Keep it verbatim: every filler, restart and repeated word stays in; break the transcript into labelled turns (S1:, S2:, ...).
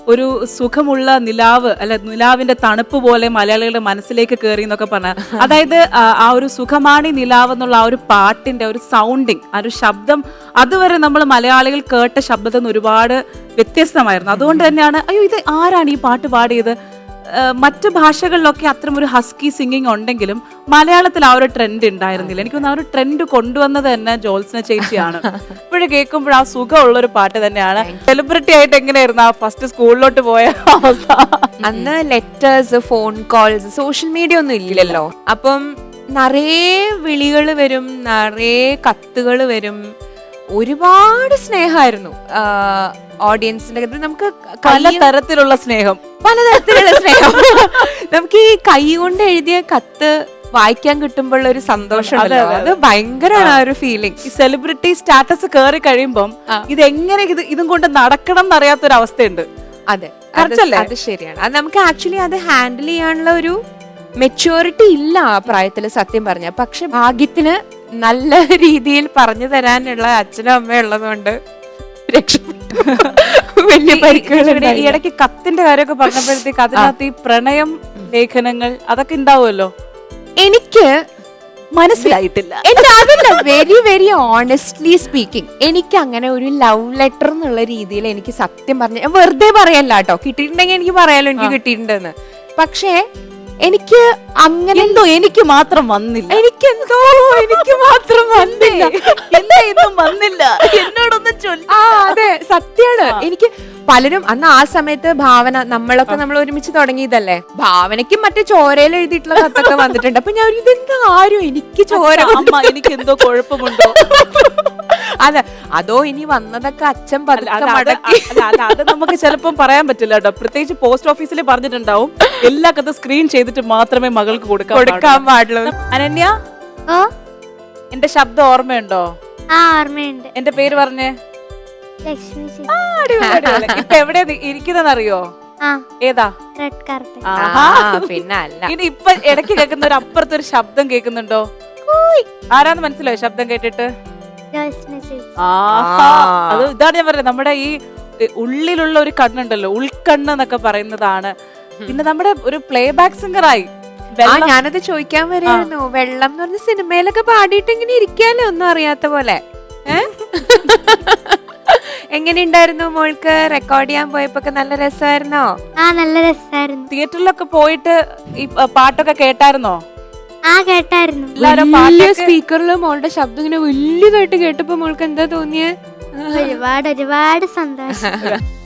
S1: ഒരു സുഖമുള്ള നിലാവ് അല്ല നിലാവിന്റെ തണുപ്പ് പോലെ മലയാളികളുടെ മനസ്സിലേക്ക് കയറി എന്നൊക്കെ പറഞ്ഞ അതായത് ആ ഒരു സുഖമാണി നിലാവ് എന്നുള്ള ആ ഒരു പാട്ടിന്റെ ഒരു സൗണ്ടിങ് ആ ഒരു ശബ്ദം അതുവരെ നമ്മൾ മലയാളികൾ കേട്ട ശബ്ദത്തിൽ നിന്ന് ഒരുപാട് വ്യത്യസ്തമായിരുന്നു. അതുകൊണ്ട് തന്നെയാണ് അയ്യോ ഇത് ആരാണ് ഈ പാട്ട് പാടിയത്. മറ്റു ഭാഷകളിലൊക്കെ അത്തരം ഒരു ഹസ്കി സിംഗിങ് ഉണ്ടെങ്കിലും മലയാളത്തിൽ ആ ഒരു ട്രെൻഡ് ഉണ്ടായിരുന്നില്ല. എനിക്ക് തോന്നുന്നു ആ ഒരു ട്രെൻഡ് കൊണ്ടുവന്നത് തന്നെ ജോത്സ്ന ചേച്ചിയാണ്. ഇപ്പോഴും കേൾക്കുമ്പോൾ ആ സുഖമുള്ളൊരു പാട്ട് തന്നെയാണ്. സെലിബ്രിറ്റി ആയിട്ട് എങ്ങനെയായിരുന്നു ആ ഫസ്റ്റ് സ്കൂളിലോട്ട് പോയ അവസ്ഥ?
S2: അന്ന് letters, phone calls, social media ഒന്നും ഇല്ലല്ലോ. അപ്പം നിറയെ വിളികൾ വരും, നിറയെ കത്തുകൾ വരും, ഒരുപാട് സ്നേഹമായിരുന്നു ഓഡിയൻസിന്റെ. നമുക്ക്
S1: പലതരത്തിലുള്ള സ്നേഹം
S2: പലതരത്തിലുള്ള സ്നേഹം നമുക്ക് ഈ കൈ കൊണ്ട് എഴുതിയ കത്ത് വായിക്കാൻ കിട്ടുമ്പോൾ ഒരു സന്തോഷം, അത് ഭയങ്കരമാണ് ആ ഒരു ഫീലിംഗ്.
S1: ഈ സെലിബ്രിറ്റി സ്റ്റാറ്റസ് കയറി കഴിയുമ്പം ഇത് എങ്ങനെ ഇത് ഇതും കൊണ്ട് നടക്കണം എന്നറിയാത്തൊരു അവസ്ഥയുണ്ട്.
S2: അതെ, അത് ശരിയാണ്. അത് നമുക്ക് ആക്ച്വലി അത് ഹാൻഡിൽ ചെയ്യാനുള്ള ഒരു മെച്യൂരിറ്റി ഇല്ല ആ പ്രായത്തില് സത്യം പറഞ്ഞ. പക്ഷെ ഭാഗ്യത്തിന് നല്ല രീതിയിൽ പറഞ്ഞു തരാനുള്ള അച്ഛനും അമ്മയും ഉള്ളതുകൊണ്ട് വലിയ പരിക്കുകൾ.
S1: ഈ ഇടയ്ക്ക് കത്തിന്റെ കാര്യമൊക്കെ പറഞ്ഞപ്പോഴത്തേക്ക് അതിനകത്ത് ഈ പ്രണയം ലേഖനങ്ങൾ അതൊക്കെ ഉണ്ടാവുമല്ലോ.
S2: എനിക്ക്
S1: മനസ്സിലായിട്ടില്ല.
S2: അതല്ല, വെരി വെരി ഓണസ്റ്റ്ലി സ്പീക്കിംഗ്, എനിക്ക് അങ്ങനെ ഒരു ലവ് ലെറ്റർ എന്നുള്ള രീതിയിൽ എനിക്ക് സത്യം പറഞ്ഞ വെറുതെ പറയല്ല കേട്ടോ. കിട്ടിയിട്ടുണ്ടെങ്കിൽ എനിക്ക് പറയാലോ എനിക്ക് കിട്ടിയിട്ടുണ്ടെന്ന്. പക്ഷേ എനിക്ക് അങ്ങനെ
S1: എന്തോ എനിക്ക് മാത്രം വന്നില്ല.
S2: എനിക്ക് എന്തോ എനിക്ക് മാത്രം വന്നില്ല
S1: എന്തൊന്നും വന്നില്ല എന്നോടൊന്നും ചൊല്ലി.
S2: ആ അതെ, സത്യമാണ്. എനിക്ക് പലരും അന്ന് ആ സമയത്ത് ഭാവന നമ്മളൊക്കെ നമ്മൾ ഒരുമിച്ച് തുടങ്ങിയതല്ലേ, ഭാവനയ്ക്കും മറ്റേ ചോരയിൽ എഴുതിയിട്ടുള്ള കത്തൊക്കെ വന്നിട്ടുണ്ട്. അപ്പൊ ഞാൻ ഇതെന്താ ആരും എനിക്ക് ചോര
S1: എനിക്ക് എന്തോ കുഴപ്പമുണ്ടോ
S2: അതെ, അതോ ഇനി വന്നതൊക്കെ അച്ഛൻ
S1: അത് നമുക്ക് ചിലപ്പം പറയാൻ പറ്റില്ല കേട്ടോ. പ്രത്യേകിച്ച് പോസ്റ്റ് ഓഫീസിൽ പറഞ്ഞിട്ടുണ്ടാവും എല്ലാ കഥ സ്ക്രീൻ ചെയ്തിട്ട് മാത്രമേ മകൾക്ക് കൊടുക്കാൻ
S2: കൊടുക്കാൻ പാടുള്ളൂ.
S1: അനന്യ, എന്റെ ശബ്ദം ഓർമ്മയുണ്ടോ?
S3: ഓർമ്മയുണ്ട്.
S1: എന്റെ പേര് പറഞ്ഞേ.
S3: ലക്ഷ്മി.
S1: ഇപ്പൊ എവിടെയാ ഇരിക്കുന്നറിയോ? ഏതാ?
S3: Red carpet.
S2: പിന്നെ അല്ല,
S1: ഇനി ഇപ്പൊ ഇടയ്ക്ക് കേൾക്കുന്ന ഒരു അപ്പുറത്തെ ഒരു ശബ്ദം കേൾക്കുന്നുണ്ടോ? ആരാന്ന് മനസ്സിലായോ ശബ്ദം കേട്ടിട്ട്? അത് ഇതാണ് ഞാൻ പറയുന്നത്, നമ്മുടെ ഈ ഉള്ളിലുള്ള ഒരു കണ്ണുണ്ടല്ലോ, ഉൾക്കണ്ണ് എന്നൊക്കെ പറയുന്നതാണ്. പിന്നെ നമ്മുടെ ഒരു പ്ലേ ബാക്ക് സിംഗറായി.
S2: ഞാനത് ചോദിക്കാൻ വരെയായിരുന്നു. വെള്ളം എന്ന് പറഞ്ഞ സിനിമയിലൊക്കെ പാടിയിട്ട് ഇങ്ങനെ ഇരിക്കാലോ, ഒന്നും അറിയാത്ത പോലെ. എങ്ങനെയുണ്ടായിരുന്നു മോൾക്ക്? റെക്കോർഡ് ചെയ്യാൻ പോയപ്പോ നല്ല രസമായിരുന്നോ?
S3: ആ, നല്ല രസമായിരുന്നു.
S1: തിയേറ്ററിലൊക്കെ പോയിട്ട് ഈ പാട്ടൊക്കെ കേട്ടായിരുന്നോ?
S3: ആ, കേട്ടായിരുന്നു.
S2: സ്പീക്കറിൽ മോളുടെ ശബ്ദം ഇങ്ങനെ വലിയതായിട്ട് കേട്ടപ്പോ മോൾക്ക് എന്താ തോന്നിയേ?
S3: ഒരുപാട് ഒരുപാട് സന്തോഷം.